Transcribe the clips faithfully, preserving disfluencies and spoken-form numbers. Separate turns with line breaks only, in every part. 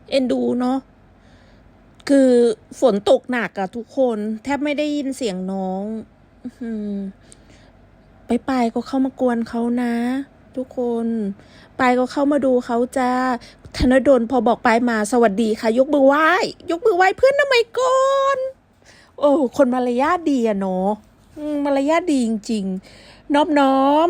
เอ็นดูเนาะคือฝนตกหนักอะทุกคนแทบไม่ได้ยินเสียงน้องอืมไปไปก็เข้ามากวนเขานะ ทุกคนไปก็เข้ามาดูเขาจ้าธนดลพอบอกไปมาสวัสดีค่ะยกมือไหว้ยกมือไหว้เพื่อนทำไมก่อนโอ้คนมารยาทดีอะเนาะมารยาทดีจริงๆนอบน้อม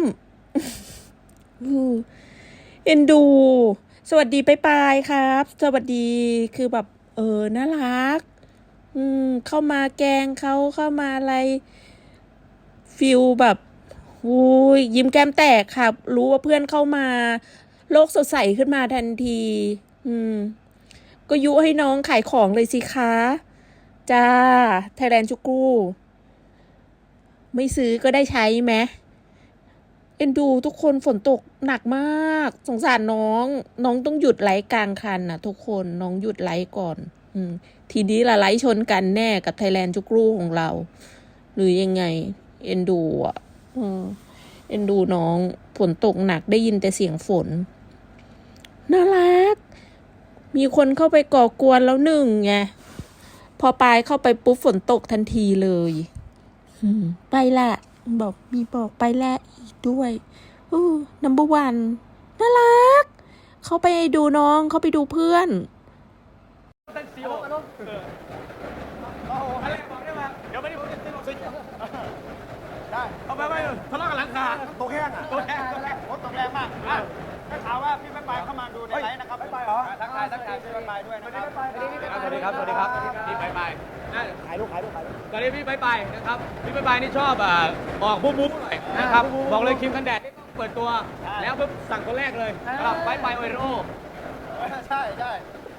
เอ็นดู สวัสดีไปไปครับ สวัสดีคือแบบเออน่ารักอืมเข้ามาแกงเขาเข้ามาอะไรฟิลแบบอุ้ยยิ้มแก้มแตกครับรู้ว่าเพื่อนเข้ามาโลกสดใสขึ้นมาทันทีอืมก็ยุให้น้องขายของเลยสิคะจ้าไทยแลนด์ชุกูไม่ซื้อก็ได้ใช้ไหมเอ็นดูทุกคนฝนตกหนักมากสงสารน้องน้องต้องหยุดไลฟ์กลางคันนะทุกคนน้องหยุดไลฟ์ก่อนอืมทีนี้ละไลฟ์ชนกันแน่กับไทยแลนด์ชุกรูของเรา หรือยังไงเอ็นดูอ่ะอืมเอ็นดูน้องฝนตกหนักได้ยินแต่เสียงฝนน่ารักมีคนเข้าไปก่อกวนแล้วหนึ่งไงพอปลายเข้าไปปุ๊บฝนตกทันทีเลยอืมไปละบอกมีบอกไปละอีกด้วยอู้นัมเบอร์วันน่ารักเขาไปดูน้องเขาไปดูเพื่อน
ตั้งซีโอโอ้โหอะไรบอกได้มาเดี๋ยวไม่ได้ผมจะตีลงซิได้เอาไปไปทะเลาะกับหลังคาตกแห้งอ่ะตกแห้งตกแห้งโอ้ตกแรงมากอ่ะได้ข่าวว่าพี่ไม่ไปเข้ามาดูในไลฟ์นะครับไม่ไปเหรอทักทายทักทายพี่ไม่ไปด้วยนะครับสวัสดีครับสวัสดีครับพี่ไปไปขายลูกขายลูกขายลูกตอนนี้พี่ไปไปนะครับพี่ไปไปนี่ชอบอ่ะออกบู๊บู๊หน่อยนะครับบอกเลยครีมกันแดดนี่ต้องเปิดตัวแล้วปุ๊บสั่งคนแรกเลยครับไปไปโอเรโอใช่ใช่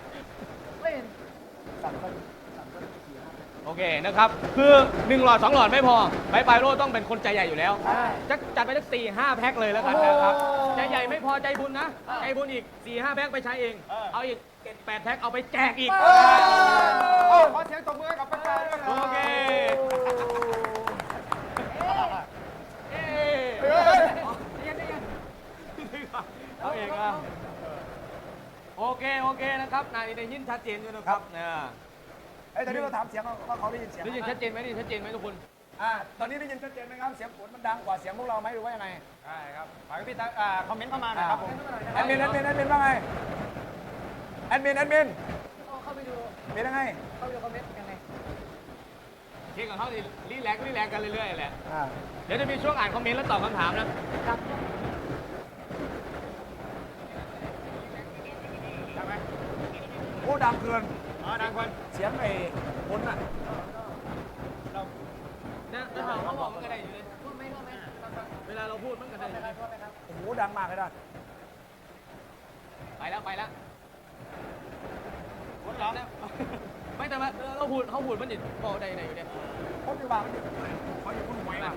โอเคนะครับคือหนึ่งหลอดสองหลอดไม่พอไปไปโร่ต้องเป็นคนใจใหญ่อยู่แล้วจะจัดไปสักสี่ห้าแพ็คเลยแล้วกันนะครับใจใหญ่ไม่พอใจบุญนะใจบุญอีกสี่ห้าแพ็คไปใช้เองเอาอีกเจ็ดแปดแพ็คเอาไปแจกอีกขอเสียงตบมือกับไปไปด้วยโอเคเอาเองอ่ะโอเคโอเคนะครับนายได้ยินชัดเจนด้วยนะครับเนี่ยไอ้ตอนนี้เราถามเสียงว่าเขาได้ยินเสียงได้ยินชัดเจนไหมได้ยินชัดเจนไหมทุกคนอ่าตอนนี้ได้ยินชัดเจนไหมครับเสียงฝนมันดังกว่าเสียงพวกเราไหมหรือว่ายังไงใช่ครับฝากพี่ตาอ่าคอมเมนต์เข้ามาหน่อยครับผมแอดมินแอดมินแอดมินว่าไงแอดมินแอดมินเข้าไปดูเป็นยังไงเข้าไปดูคอมเมนต์ยังไงเช็คกับเขาดิรีแลกรีแลกกันเรื่อยๆแหละเดี๋ยวจะมีช่วงอ่านคอมเมนต์แล้วตอบคำถามนะครับโอ้ดังเกินอ๋อดังเกินเสียงไอ้คนน่ะเราเนี่ยเราเขาบอกมันกระไดอยู่เลยพูดไม่พูดไม่เวลาเราพูดมันกระไดอยู่เลยโอ้โหดังมากเลยนะไปแล้วไปแล้วพูดร้องไม่แต่ว่าเราพูดเขาพูดมันอยู่บอกใดไหนอยู่เนี่ยเขาอยู่บ้านเขาอยู่พุ่นหวยนะ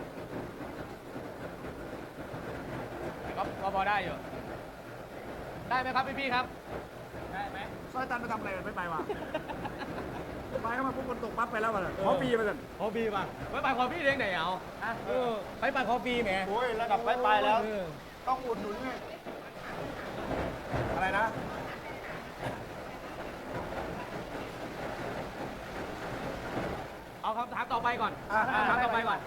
ก็พอได้อยู่ได้ไหมครับพี่พี่ครับได้ไหมซอยตันไปทำอะไรไม่ไปว่ะไปเข้ามาปุ๊บคนตกปั๊บไปแล้วว่ะขอปีมาสั่นขอปีป่ะไปไปขอปีเด้งไหนเอาเออไปไปขอปีแหมโอ้ยระดับไปไปแล้วต้องอุดหนุนไงอะไรนะเอาคำถามต่อไปก่อนคำถามต่อไปก่อน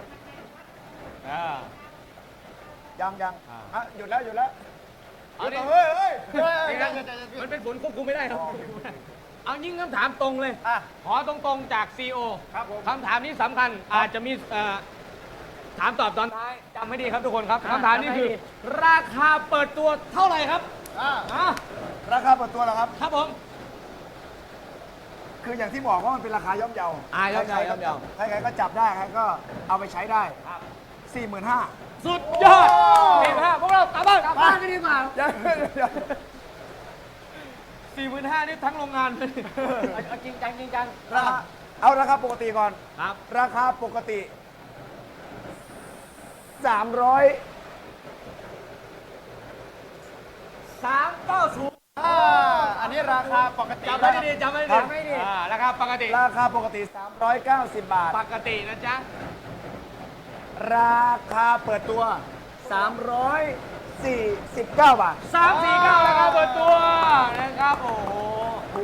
ยังยังอ่ะหยุดแล้วหยุดแล้วเอาดิเฮ้ยเฮ้ยมันเป็นฝนควบคุมไม่ได้ครับเอายิ่งคำถามตรงเลยขอตรงๆจากซีโอคำถามนี้สำคัญอาจจะมีถามตอบตอนท้ายจำให้ดีครับทุกคนครับคำถามนี้คือราคาเปิดตัวเท่าไหร่ครับราคาเปิดตัวเหรอครับครับผมคืออย่างที่บอกว่ามันเป็นราคาย่อมเยาอ่าย่อมเยาย่อมเยาใครๆก็จับได้ใครก็เอาไปใช้ได้สี่หมื่นห้าสุดยอดสี่หมื่นห้าพวกเรากลับบ้านกลับบ้านไม่ดีกว่าสี่หมื่นห้านี่ทั้งโรงงานเลยจริงจังจริงจังเอาราคาปกติก่อนครับราคาปกติสามร้อยสามเก้าศูนย์อันนี้ราคาปกติจำไม่ดีจำไม่ดีราคาปกติราคาปกติสามร้อยเก้าสิบบาทปกตินะจ๊ะราคาเปิดตัวสามร้อยสี่สิบเก้าบาทสามสี่เก้าราคาเปิดตัวนะครับโอ้โห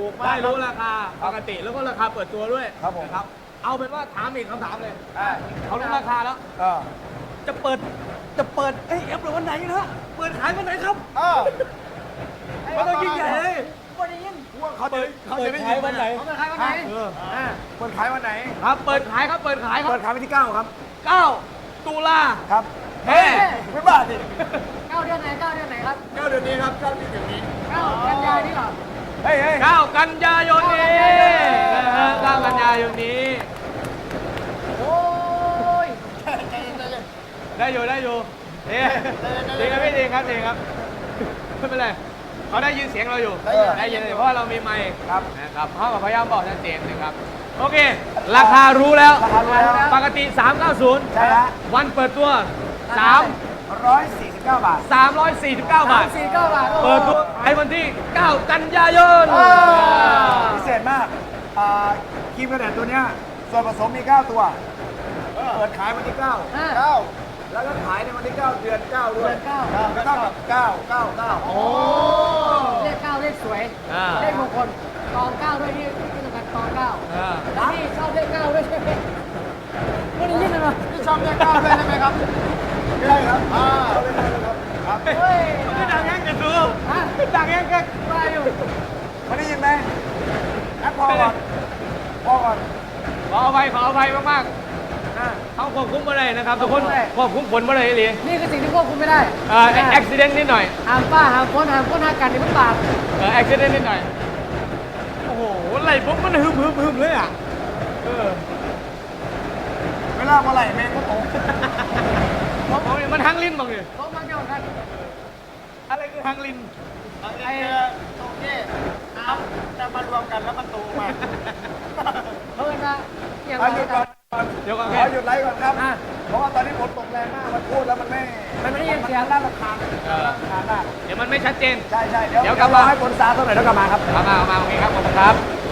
ถูกมาก
ได้รู้ราคาปกติแล้วก็ราคาเปิดตัวด้วย
ครับผม
นะครับเอาเป็นว่าถามอีกคำถามเลย
อ่า
เขารู้ราคาแล้ว
เออ
จะเปิดจะเปิดเอ้ยเอฟหรือวันไหนนะเปิดขายวันไหนครับ
เออ
มันต้องยิ่งใหญ่เลย
ว่าได้ยินว่าเขาจะเขา
เปิ
จะ
ด
ไม่
ขายวันไหน
เปิดขายวันไหนเอออ่าเปิดขายวันไหน
ครับเปิดขายครับเปิดขายครับ
เปิดขายวันที่เก้าครับ
เก้าตุลา
ครับ
เฮ้
ไม่บ้าดิ
เก้าเดือนไหนเก้าเดือนไหนครับ
เก้าเดือนนี้ครับเก้าที่ถึงนี้
เก้ากันยายนนี่เหรอ
เฮ้ยเฮ้ย
เก้ากันยายนนี้นะฮะเก้ากันยายนนี้
โอ้ย
ได้อยู่ได้อยู่ดีดีครับพี่ดีครับดีครับไม่เป็นไรเขาได้ยินเสียงเราอยู่ได้ยินเพราะว่าเรามีไมค์
ครับ
นะครับเขาก็พยายามบอกชัดเจนนะครับโอเค ราคารู้แล้ว
ราคารู้แล้ว
ปกติสามร้อยเก้าสิบ
ใช่ฮะ
วันเปิดตัวสาม
ร้อยสี่สิบเก้าบาท
สามร้อยสี่สิบเก้าบาท
สี่เก้าบาท
เปิดตัวขายวันที่เก้ากันยายน
พิเศษมากอ่าครีมกระแดดตัวเนี้ยส่วนผสมมีเก้าตัวเปิดขายวันที่เก้า เก้าแล้วก็ขายในวันที่เก้าเดือนเก้าด้วย
เดือนเก้า
ก็เท่ากับเก้า เก้า เก้า
โอ้เลขเก้าเลขสวย
อ่า
เลขมงคลตองเก้าด้วยที่ที่สำคัญตองเก้า
อ่า
แล้วพี่ชอบเลขเก้าด้วยใช่ไหมไม่ได้ยินเลยเหรอ
พี่ชอบเลขเก้าด้วยใช่ไหมครับใช่ครับอ่าเอาเลยครับครับ
เฮ้ย
ไม่ดังแห้งจะดู
ฮะ
ดังแห้งแค่
มาอยู่
ไม่ได้ยินไหมแอปพอก่อนพอก่อน
ขออภัยขออภัยมากๆเขาควบคุมมาเลยนะครับทุกคนควบคุมผลมาเลยอีหลี
นี่คือสิ่งที่ควบคุมไม่ได้
เอ่ออุบิเหตุนิดหน่อย
ห้ามป้าห้ามคนห้ามคนห้ามกันนี่มันบาป
เอออุบิเหตุนิดหน่อยโอ้โหไหลผมมันฮึมฮึมฮึมเลยอ่ะเออ
เวลาเมื่อไหร่แม่งก็ตก
ผมผมมันทั้งลิ้นบอกเลย
ต้องมาเกี่ยวกัน
อะไรคือทั้งลิ้น
ไอ้ตรงนี้น้ำจะมารวมกันแล้วมันตูมา
เพิ่นว่าอย่าง
เอา
ไร
หยุดก่อน
เดี๋ยวก่อน
ขอหยุดไลฟ์ก่อนครับ เพราะว่าตอนนี้ฝนตกแรงมาก มันพูดแล้วมันไม่
มันไม่ได้ยินเสียง
น่ารำคาญน่ารำคาญมาก
เดี๋ยวมันไม่ชัดเจน
ใช่ใช่เดี๋ยว
เดี๋ยวกลับมา
ให้ฝนซาตัวไหนอยแล้วกลับมาครับ
เอามาเอามาโอเคครับขอบคุณครับ